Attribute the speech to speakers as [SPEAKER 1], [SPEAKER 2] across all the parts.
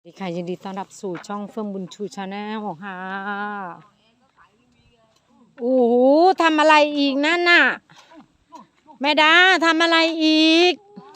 [SPEAKER 1] สวัสดีค่ะยินดีต้อนรับสู่ช่องเฟื่องบุญชูชาแนลค่ะโอ้โหทำอะไรอีกนั่นน่ะแม่ดาทำอะไรอีก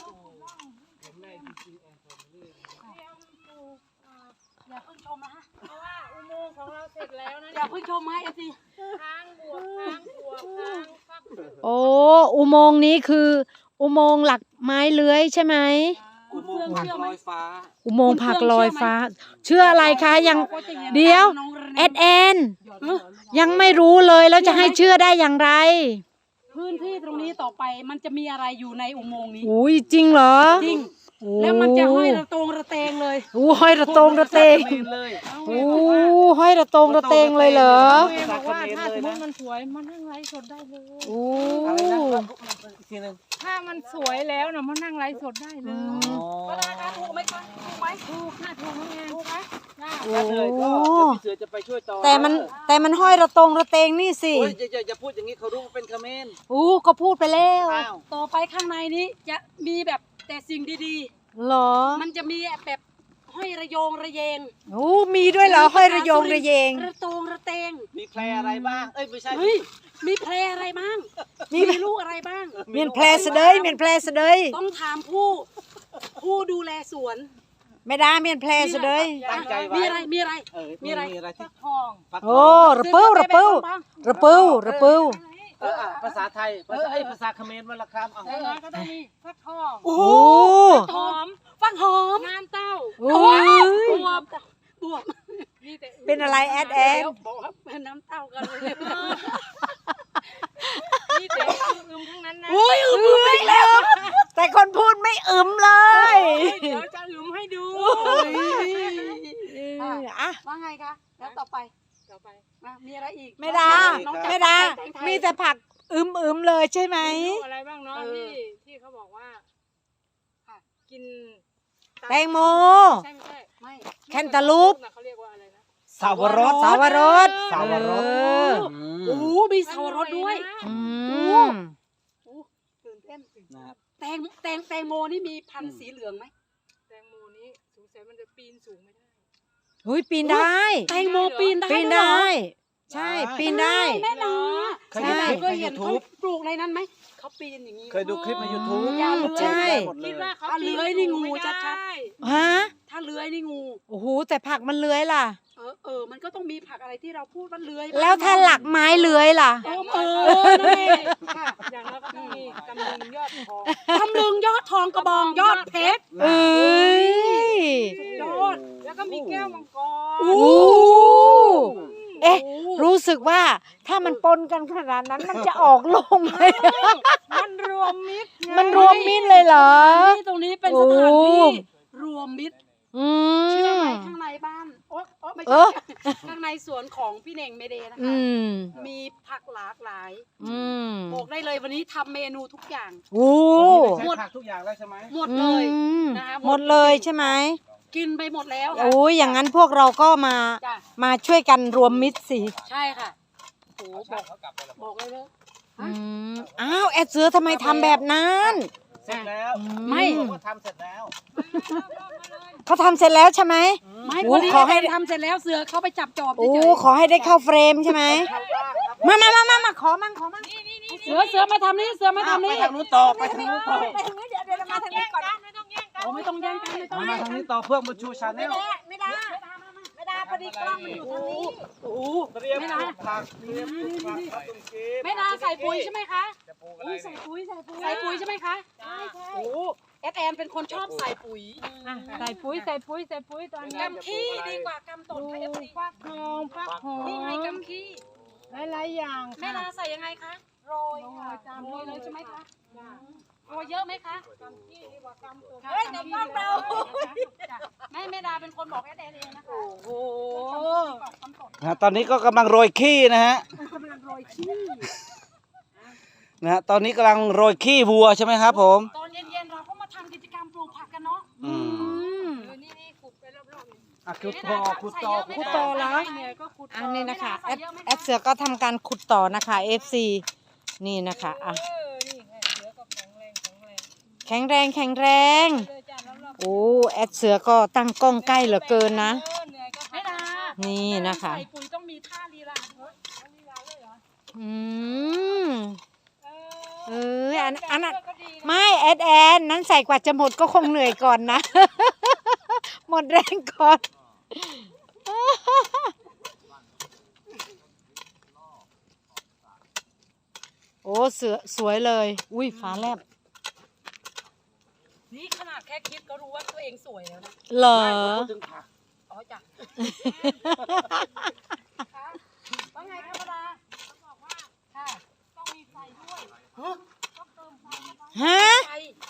[SPEAKER 2] อย่าเพิ่งชมนะฮะเพราะว่าอุโมงค์ของเราเสร็จแล้วนะอย่าเพิ่งชมนะเอฟซีค้างบวกค้างบวกค้างฟัก
[SPEAKER 1] โอ้อุโมงค์นี้คืออุโมงค์หลักไม้เลื้อยใช่ไหม
[SPEAKER 3] อุโมงค์ผักลอยฟ้า
[SPEAKER 1] อุโมงค์ผักลอยฟ้าเชื่ออะไรคะยังเดี๋ยวแอนยังไม่รู้เลยแล้วจะให้เชื่อได้อย่างไร
[SPEAKER 2] พื้นที่ตรงนี้ต่อไปมันจะมีอะไรอยู่ในอุโมงค์นี้
[SPEAKER 1] อุ้ยจริงเหรอ
[SPEAKER 2] จริงแล้วมันจะห้อยระตงระเตงเลย
[SPEAKER 1] โอ้ห้อยระตงระเตงโอ้ห้อยระตงระเตงเลยเหรอ
[SPEAKER 2] บอกว่าถ้าสมมติมันสวยมันนั่งไลฟ์สดได้เลย
[SPEAKER 1] โอ้
[SPEAKER 2] ถ้ามันสวยแล้วนะมันนั่งไลฟ์สดได้เลยก็ได้นะถูกไหมคะถูกไหมถูกค่ะถูกน้องแอนถูกไหม
[SPEAKER 1] โอ้
[SPEAKER 3] เสือจะไปช่วยต่อ
[SPEAKER 1] แต่มันห้อยระตงระเตงนี่สิ
[SPEAKER 3] จะพูดอย่างนี้เขารู้ว่าเป็นคอมเมนต์
[SPEAKER 1] ก็พูดไปแล้ว
[SPEAKER 2] ต่อไปข้างในนี้จะมีแบบแต่สิ่งดี
[SPEAKER 1] ๆเหรอ
[SPEAKER 2] มันจะมีแบบห้อยระโยงระเยง
[SPEAKER 1] มีด้วยเหรอห้อยระโยงระเยง
[SPEAKER 2] ระตงระเตง
[SPEAKER 3] มีแพรอะไรบ้างไม่ใช่
[SPEAKER 2] มีแพรอะไรบ้างมีลูกอะไรบ้าง
[SPEAKER 1] เมียนแพรเสดยเมียนแพรเสดย
[SPEAKER 2] ต้องถามผู้ดูแลสวน
[SPEAKER 1] ไม่ได้เมียนแพรเสดย
[SPEAKER 3] ตั้งใจไว้
[SPEAKER 2] มีอะไร
[SPEAKER 3] ฟักท
[SPEAKER 2] อง
[SPEAKER 1] โอ้ระเปิ้ว
[SPEAKER 3] ภาษาไทยภาษาเขมรวันละคำ
[SPEAKER 2] ก็ต้องมีฟักทอง
[SPEAKER 1] โอ้
[SPEAKER 2] ฟักหอมงานเต้าบวบ
[SPEAKER 1] เป็นอะไรแอด
[SPEAKER 2] เป็นน้ำเต้ากันเลย
[SPEAKER 3] นี่แต่อึมทั้งนั้นนะ
[SPEAKER 2] อึมอีกแล้ว
[SPEAKER 1] แต่คนพูดไม่อึมเลย
[SPEAKER 2] เดี๋ยวจะอึมให้ดูว่าไงคะแล้วต่อไปมีอะไรอีก
[SPEAKER 1] ไม่ได้มีแต่ผักอึมเลยใช่ไหม
[SPEAKER 2] อะไรบ้างเนาะที่เขาบอกว่ากิน
[SPEAKER 1] แตงโม
[SPEAKER 2] ใช่ไม่
[SPEAKER 1] แคนตาลูป
[SPEAKER 2] เขาเรียกว่าอะไรนะ
[SPEAKER 3] สาวรส
[SPEAKER 2] โอ้มีสาวรสด้วยตื่นเต้นแตงโมนี่มีพันธุ์สีเหลืองไหมแตงโมนี้สงสัยมันจะปีนสูงไม่ได้
[SPEAKER 1] ปีนได้
[SPEAKER 2] แตงโมปีน
[SPEAKER 1] ได้ใช่ปีนได้
[SPEAKER 2] แม่ดาเคยเห็นเขาปลูกในนั้นไหมเขาปีนอย่างนี้
[SPEAKER 3] เคยดูคลิปใน YouTube
[SPEAKER 1] ใช่
[SPEAKER 2] คิดว่าเขาเลื้อยนี่งูชัด
[SPEAKER 1] ๆฮะ
[SPEAKER 2] ถ้าเลื้อยนี่งู
[SPEAKER 1] โอ้โหแต่ผักมันเลื้อยล่ะ
[SPEAKER 2] มันก็ต้องมีผักอะไรที่เราพูดว่าเลื้อย
[SPEAKER 1] แล้วถ้าหลักไม้เลื้อยล่ะ
[SPEAKER 2] นั่นเองค่ะอย่างเราก็ต้องมีตำลึงยอดทองกระบองยอดเพชรยอดแล้วก็มีแก้วมังกร
[SPEAKER 1] รู้สึกว่าถ้ามันปนกันขนาดนั้นมันจะออกลมไหม
[SPEAKER 2] มันรวมมิตร
[SPEAKER 1] เลยเหรอ
[SPEAKER 2] ตรงนี้เป็นสถานที่รวมมิตรเชื่อไหมข้างในบ้านไม่ใช่ข้างในสวนของพี่เน่งเมเดนะคะมีผักหลากหลายบอกได้เลยวันนี้ทำเมนูทุกอย่าง
[SPEAKER 3] หมดทุกอย่างแล้วใช่ไหม
[SPEAKER 2] หมดเลย
[SPEAKER 1] นะคะหมดเลยใช่ไหม
[SPEAKER 2] กินไปหมดแล้ว
[SPEAKER 1] อย่างนั้นพวกเราก็มาช่วยกันรวมมิตรสิ
[SPEAKER 2] ใช่ค่ะโอ้บอกเลยเลย
[SPEAKER 1] อ้าวแอดเสือทำไมทำแบบนั้น
[SPEAKER 3] เสร็จแล้ว
[SPEAKER 2] ไม่
[SPEAKER 3] เขาทำเสร็จแล้ว
[SPEAKER 1] เขาทำเสร็จแล้วใช่ไหม
[SPEAKER 2] ไม่ขอให้ทำเสร็จแล้วเสือเขาไปจับจอบ
[SPEAKER 1] ขอให้ได้เข้าเฟรมใช่ไหมมาขอมั่ง
[SPEAKER 2] เสือมาทำนี่
[SPEAKER 3] ไปทางนู้นต่อเดี๋ยว
[SPEAKER 2] มาทางนี้ก่อนไม่ต้องแย่งกัน
[SPEAKER 3] มาทางนี้ต่อเพื่อมาชูชาแนล
[SPEAKER 2] ไม่ได้พอดีกล้องมันอยู่ทางนี้ไม่ได้ใส่ปุ๋ยใช่ไหมคะใส่ปุ๋ยใช่ไหมคะแอนเป็นคนชอบใส่ปุ๋ย
[SPEAKER 1] ใส่ปุ๋ยตอนนี้
[SPEAKER 2] กำขี้ดีกว่ากำตดค่ะ
[SPEAKER 1] ฟักทอง
[SPEAKER 2] นี่ไงกำขี้
[SPEAKER 1] หลายอย่าง
[SPEAKER 2] แม่ดาใส่ยังไงคะโรยเลยใช่ไหมคะโรยเยอะไหมคะกำขี้ดีกว่ากำตดในกล้องเราแม่ดาเป็นคนบอกแอนเองนะคะ
[SPEAKER 1] โอ้
[SPEAKER 3] ตอนนี้ก็กำลังโรยขี้นะฮะตอนนี้กำลังโรยขี้วัวใช่ไหมครับผม
[SPEAKER 2] ตอนเย็นๆเราก็มาทำกิจกรรมปลูกผักกันเนาะนี่ขุดไปรอบ
[SPEAKER 3] ๆขุดต่อ
[SPEAKER 1] แล้วอันนี้นะคะแอดเสือก็ทำการขุดต่อนะคะ FC นี่นะคะแข็งแรงโอ้แอดเสือก็ตั้งกล้องใกล้เหลือเกินนะ
[SPEAKER 2] ไม่ได้
[SPEAKER 1] นี่นะคะ
[SPEAKER 2] ใส่ปุ๋ยต้องมีท่าลีลาด้วยลีลาเลยเหรอ
[SPEAKER 1] อืมอันนั้นไม่แอดแอนนั้นใส่กว่าจะหมดก็คงเหนื่อยก่อนนะ หมดแรงก่อน โอ้เสือสวยเลย อุ้ยฟ้าแลบ
[SPEAKER 2] นี่ขนาดแค่คิดก็รู้ว่าตัวเองสวยแล้วนะ
[SPEAKER 1] เหรอ
[SPEAKER 3] พูดถึงผัก
[SPEAKER 2] อ๋อจ้ะว่าไงธรรมดาบอกว่าค่ะต้องมีไฟด้วยต้องเติมไฟ
[SPEAKER 1] ฮะ
[SPEAKER 2] ไฟ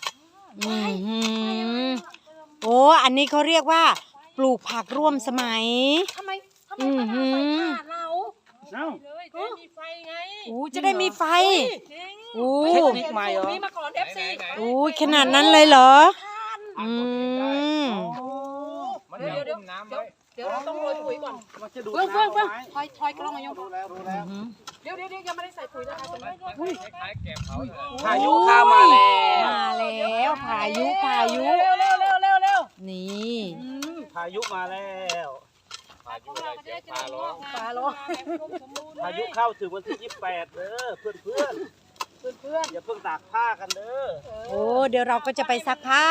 [SPEAKER 1] โอ้อันนี้เขาเรียกว่า ปลูกผักร่วมสมัย
[SPEAKER 2] ทำไมประดาไฟขาดเรา
[SPEAKER 3] เอ้า
[SPEAKER 2] เลยจะมีไฟไง
[SPEAKER 1] อู้จะได้มีไฟอู้
[SPEAKER 3] เทคนิคใหม่เหรอ
[SPEAKER 2] มีมาก่อน FC
[SPEAKER 1] อู้ขนาดนั้นเลยเหรอ อืม
[SPEAKER 2] เดี๋ยวเราต้องโรยปุ๋ยก่อน
[SPEAKER 3] มันจะดูด
[SPEAKER 2] เฟื่อง
[SPEAKER 3] น้ำ
[SPEAKER 2] เฟื่อง
[SPEAKER 3] เอา
[SPEAKER 2] เฟื่อง
[SPEAKER 3] ไว้
[SPEAKER 2] ถอยกล้องมายง
[SPEAKER 3] รู้แล้วรู้แล้ว
[SPEAKER 2] เดี๋ยวยังไม่ได้ใส่ปุ๋ยนะคะจะไม่
[SPEAKER 3] พายุเข้ามาแล้ว
[SPEAKER 1] มาแล้วพายุ
[SPEAKER 2] เร็ว
[SPEAKER 1] นี่
[SPEAKER 3] พายุมาแล้ว
[SPEAKER 2] ฟ้าร้อง
[SPEAKER 3] พายุเข้าถึงวันที่28เด้อเพื่อนอย่าเพิ่งตากผ้ากันเด้อ
[SPEAKER 1] โอ้เดี๋ยวเราก็จะไปซักผ้า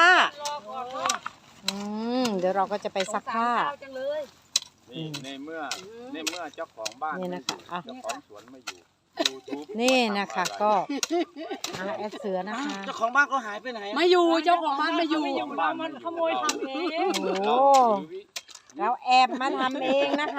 [SPEAKER 1] เดี๋ยวเราก็จะไปซักผ้า
[SPEAKER 2] จังเลย
[SPEAKER 4] นี่ในเมื่อเจ้าของบ้าน
[SPEAKER 1] นี่นะคะอ่ะ
[SPEAKER 4] เจ้าของสวนไม่อยู่ YouTube
[SPEAKER 1] นี่นะคะก็แอดเสือนะคะ
[SPEAKER 3] เจ้าของบ้านเขาหายไปไหนอะ
[SPEAKER 2] ไม่อยู่เจ้าของบ้านไม่อยู่
[SPEAKER 4] เรามันขโมยทำเอง
[SPEAKER 1] โอ้เราแอบมาทำเองนะคะ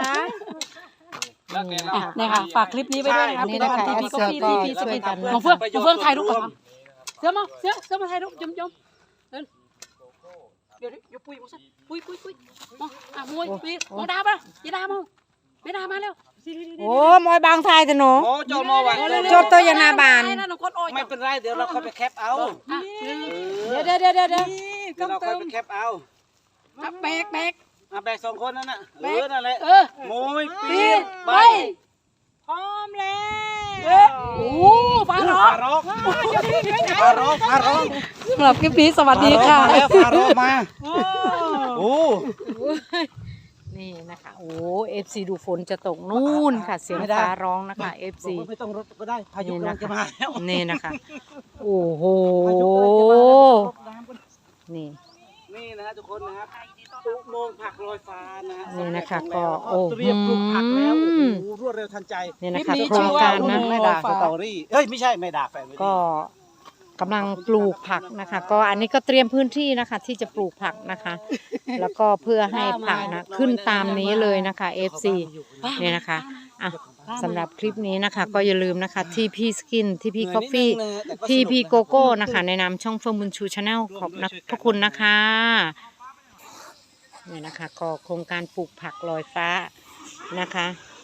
[SPEAKER 2] นี่ค่ะฝากคลิปนี้ไว้ด้วยนะครับ
[SPEAKER 1] นี่นะคะแอดเสือก็ช่วยกันนะ
[SPEAKER 2] น้องเฟื่องน้องเฟื่องถ่ายรูปก่อนเสือมาถ่ายรูปยมเดี๋ยวปุยมาสิปุยมาปุยมองดาป่ะยีดามาไม่ดามาเร็ว
[SPEAKER 1] โอ้มอยบางทายแต่หนู
[SPEAKER 3] โอ้โจมอวัน
[SPEAKER 1] โจทย์ตัวยานาบาน
[SPEAKER 3] ไม่เป็นไรเดี๋ยวเราค่อยไปแคปเอา
[SPEAKER 1] เดี๋ยว
[SPEAKER 3] เดี๋ยวเราค่อยไปแคปเอา
[SPEAKER 2] แบก
[SPEAKER 3] แบก2 คนนั่นน่ะนั่นแหละโมยปี
[SPEAKER 2] ปี
[SPEAKER 3] น
[SPEAKER 2] ไป
[SPEAKER 1] พร้อมแล้ว
[SPEAKER 2] โอ้ฟ้าร้อง
[SPEAKER 3] ฟาร้อง
[SPEAKER 2] สำหรับคลิปนี้สวัสดีค่ะ
[SPEAKER 3] แล้วฟาร้องมาโอ้
[SPEAKER 1] นี่นะคะโอ้เอฟซีดูฝนจะตกนู่นค่ะเสียงฟ้าร้องนะคะเอฟซี
[SPEAKER 3] ไม่ต้องรถก็ได้พายุกำลังจะมาแล้ว
[SPEAKER 1] นี่นะคะโอ้โห
[SPEAKER 3] พายุกำลังจะมาแล้วรดน้ำกัน
[SPEAKER 1] นี่
[SPEAKER 3] นี่นะฮะทุกคนนะครับอุโมงค์ผักลอยฟ้านะฮะ
[SPEAKER 1] นี่นะคะ
[SPEAKER 3] สำเร็จ
[SPEAKER 1] ก็
[SPEAKER 3] แล้ว
[SPEAKER 1] โอ้
[SPEAKER 3] เตรียมปลูกผักแล้วโอ้โหรวดเร็วทันใจ
[SPEAKER 1] นี่นะคะ
[SPEAKER 2] คลิปนี้
[SPEAKER 1] โครงการนะ
[SPEAKER 3] ไม่ด่าสตอรี่เอ้ยไม่ใช่ไม่ด่าแฟนไม่ดี
[SPEAKER 1] ก็กำลังปลูกผักนะคะ ก็อันนี้ก็เตรียมพื้นที่นะคะ ที่จะปลูกผักนะคะ แล้วก็เพื่อให้ผักนะขึ้นตามนี้เลยนะคะ FC เนี่ยนะคะอ่ะสำหรับคลิปนี้นะคะ ก็อย่าลืมนะคะที่พี่สกินที่พี่กาแฟที่พี่โกโก้นะคะ ในนามช่องเฟิร์มบุญชูชาแนลขอบพระคุณนะคะเนี่ยนะคะ ก็โครงการปลูกผักลอยฟ้านะคะ